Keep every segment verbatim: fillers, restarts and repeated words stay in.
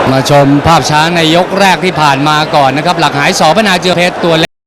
มาชมภาพช้าในยกแรกที่ผ่านมาก่อนนะครับหลักหายสอพนาเจือเพชรตัวเล็ก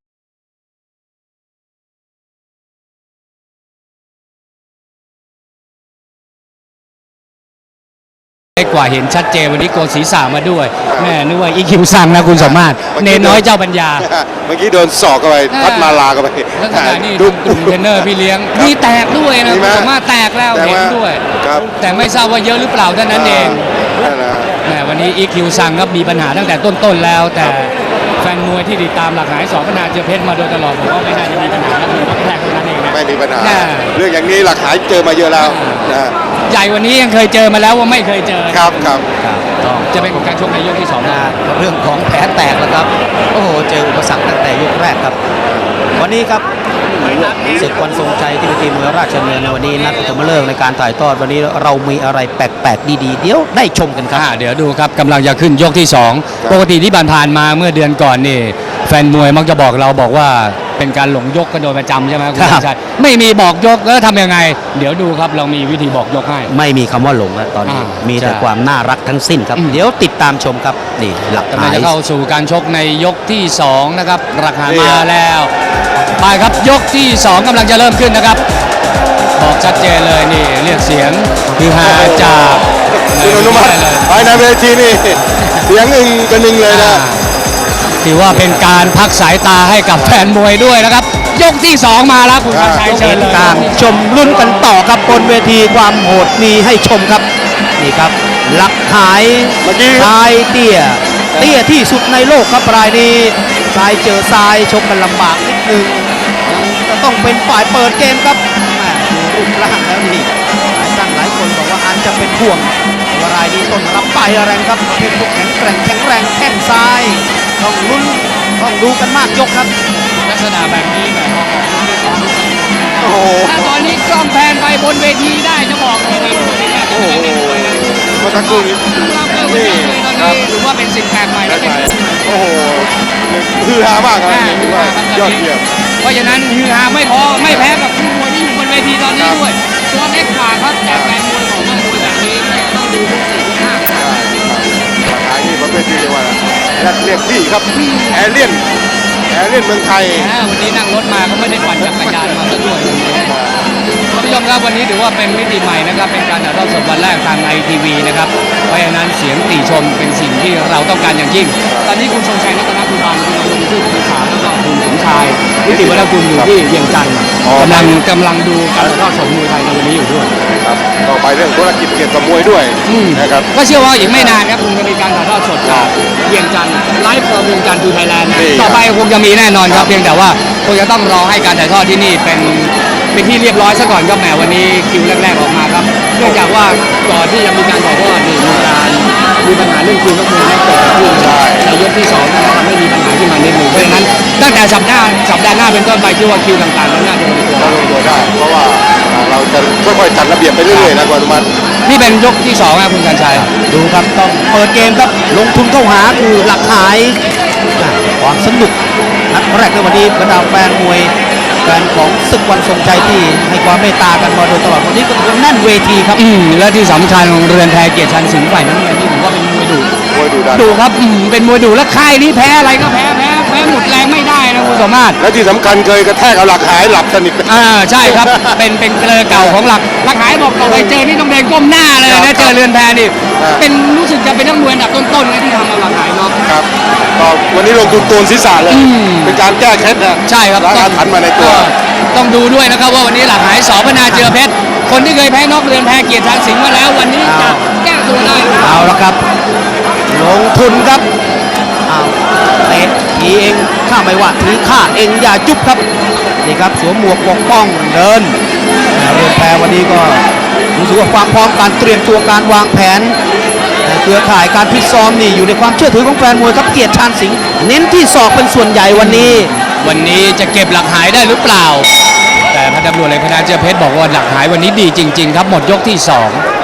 กว่าเห็นชัดเจนวันนี้โกนศีรษะมาด้วยแม่นึกว่าอีคิวซังนะคุณสมมาตรเนน้อยเจ้าปัญญาเมื่อกี้โดนศอกเข้าไปพัดมาลาเข้าไปแล้วขณะนี้ดูกลุ่มเทรนเนอร์พี่เลี้ยงมีแตกด้วยนะคุณสมมาตรแตกแล้วเห็นด้วยแต่ไม่ทราบว่าเยอะหรือเปล่าเท่านั้นเองแม่วันนี้อีคิวซังครับมีปัญหาตั้งแต่ต้นๆแล้วแต่แฟนมวยที่ติดตามหลักหายสอพนาเจือเพชรมาโดยตลอดผมว่าไม่น่าจะมีปัญหาแล้วมีแรกเท่านั้นเองนะไม่มีปัญหาเรื่องอย่างนี้หลักหายเจอมาเยอะแล้วนะใหญ่วันนี้ยังเคยเจอมาแล้วว่าไม่เคยเจอครับครับจะเป็นการชกในยกที่สองนะเรื่องของแผลแตกแล้วครับโอ้โหเจออุปสรรคตั้งแต่ยกแรกครับวันนี้ครับศึกวันทรงชัยที่เวทีมวยราชดำเนินในวันนี้นัดปฐมฤกษ์ในการถ่ายทอดวันนี้เรามีอะไรแปลกๆดีๆเดี๋ยวได้ชมกันครับเดี๋ยวดูครับกำลังจะขึ้นยกที่สองปกติที่ผ่านมาเมื่อเดือนก่อนนี่แฟนมวยมักจะบอกเราบอกว่าเป็นการหลงยกกันโดยประจำใช่ไหมคุณชัยไม่มีบอกยกแล้วทำยังไงเดี๋ยวดูครับเรามีวิธีบอกยกให้ไม่มีคำว่าหลงนะตอนนี้มีแต่ความน่ารักทั้งสิ้นครับเดี๋ยวติดตามชมครับนี่หลักฐานจะเข้าสู่การชกในยกที่สองนะครับราคามาแล้วไปครับยกที่สองกำลังจะเริ่มขึ้นนะครับบอกชัดเจนเลยนี่เรียกเสียงคือฮาจากคุณอนุมัติภายในเวทีนี่เสียงอึ้งกันนึงเลยนะถือว่าเป็นการพักสายตาให้กับแฟนมวยด้วยนะครับยกที่สองมาแล้วคุณชัยเชิญเลยตามชมรุ่นกันต่อครับบนเวทีความโหดมีให้ชมครับนี่ครับหลักหายทายเตี้ยเตี้ยที่สุดในโลกครับรายนี้ซ้ายเจอซ้ายชกกันลำบากนิดนึงจะต้องเป็นฝ่ายเปิดเกมครับรูปร่างแล้วนี่หลายท่านหลายคนบอกว่าอาจจะเป็นห่วงว่ารายนี้ต้นรับไปแรงครับประเภทพวกแข็งแกร่งแข็งแรงแข้งซ้ายต้องลุ้นต้องดูกันมากยกครับลักษณะแบบนี้แบบโอ้โหถ้าตอนนี้กล้องแพนไปบนเวทีได้จะบอกเลยนะโอ้โหเมื่อสักครู่นี้นี่ครับถือว่าเป็นสิ่งแปลกใหม่แล้วโอ้โหฮือฮามากครับถือว่ายอดเยี่ยมเพราะฉะนั้นฮือฮาไม่พอไม่แพ้กับคู่มวยที่อยู่บนเวทีตอนนี้ด้วยตัวเล็กกว่าครับแต่แฟนมวยของนักมวยแบบนี้ต้องดูทุกสิ่งทุกอย่างหลักฐานนี่ประเภทที่เรียกว่าเรียกพี่ครับแอเลียนแอเลียนเมืองไทยวันนี้นั่งรถมาก็ไม่ได้ปั่นจักรยานมาซะด้วยท่านผู้ชมครับวันนี้ถือว่าเป็นมิติใหม่นะครับเป็นการถ่ายทอดสดวันแรกทางไอทีวีนะครับเพราะฉะนั้นเสียงติชมเป็นสิ่งที่เราต้องการอย่างยิ่งตอนนี้คุณทรงชัยรัตนกุลพันธ์คุณดำรงชื่อผู้ขาแล้วก็คุณสมชายนิติวัฒนกุลอยู่ที่เวียงจันทร์กำลังกำลังดูการถ่ายทอดสดมวยไทยในวันนี้อยู่ด้วยครับต่อไปเรื่องธุรกิจเกี่ยวกับมวยด้วยนะครับก็เชื่อว่าอีกไม่นานครับคุณจะมีการถ่ายทอดสดจากเวียงจันทร์ไลฟ์เวียงจันทร์ทูไทยแลนด์ต่อไปคงจะมีแน่นอนครับเพียงแต่ว่าคงจะต้องรอให้การถ่ายทอดที่นี่เป็นเป็นที่เรียบร้อยซะก่อนครับแหมวันนี้คิวแรกๆออกมาครับเนื่องจากว่าก่อนที่จะมีการถ่ายทอดนี่มีการมีปัญหาเรื่องคิวนักมวยเกิดขึ้นในยกที่สองนะครับทำให้มีปัญหาขึ้นมานิดหนึ่งเพราะฉะนั้นตั้งแต่สัปดาห์สัปดาห์หน้าเป็นต้นไปคิดว่าคิวต่างๆนั้นน่าจะลงตัวลงตัวได้เพราะว่าเราจะค่อยๆจัดระเบียบไปเรื่อยๆนะกว่ามันนี่เป็นยกที่สองครับคุณชันชัยดูครับต้องเปิดเกมครับลงทุนเข้าหาคือหลักหายความสนุกนัดแรกในวันนี้บรรดาแฟนมวยแฟนของศึกวันทรงชัยที่ให้ความเมตตากันมาโดยตลอดวันนี้ก็เป็นแน่นเวทีครับอืมและที่สำคัญของเรือนแพเกียรติชันสิงห์ฝ่ายน้ำเงินนี่ผมว่าเป็นมวยดุมวยดุดันดุครับอืมเป็นมวยดุและค่ายนี้แพ้อะไรก็แพ้แพ้แพ้หมดแรงไม่ได้นะคุณสมมาตรและที่สำคัญเคยกระแทกเอาหลักหายหลับสนิทอ่าใช่ครับเป็นเป็นเกลือเก่าของหลักหลักหายบอกต่อไปเจอนี่ต้องเดินก้มหน้าเลยนะเจอเรือนแพนี่เป็นรู้สึกจะเป็นนักมวยอันดับต้นๆนะที่ทำเอาหลักหายเนาะครับก็วันนี้ลงทุนโกนศีรษะเลยเป็นการแก้เคล็ดนะใช่ครับล้างอาถรรพ์มาในตัวต้องดูด้วยนะครับว่าวันนี้หลักหายสอพนาเจือเพชรคนที่เคยแพ้นอกเรือนแพเกียรติชันสิงห์มาแล้ววันนี้จะแก้ตัวได้เอาละครับลงทุนครับเอาเตะทีเองข้าไม่ว่าทีข้าเองอย่าจุ๊บครับนี่ครับสวมหมวกปกป้องเดินเรือนแพวันนี้ก็รู้สึกว่าความพร้อมการเตรียมตัวการวางแผนเครือข่ายการพิซ้อมนี่อยู่ในความเชื่อถือของแฟนมวยครับเกียรติชันสิงห์เน้นที่ศอกเป็นส่วนใหญ่วันนี้วันนี้จะเก็บหลักหายได้หรือเปล่าแต่พันตำรวจเอกพนาเจือเพชรบอกว่าหลักหายวันนี้ดีจริงๆครับหมดยกที่สอง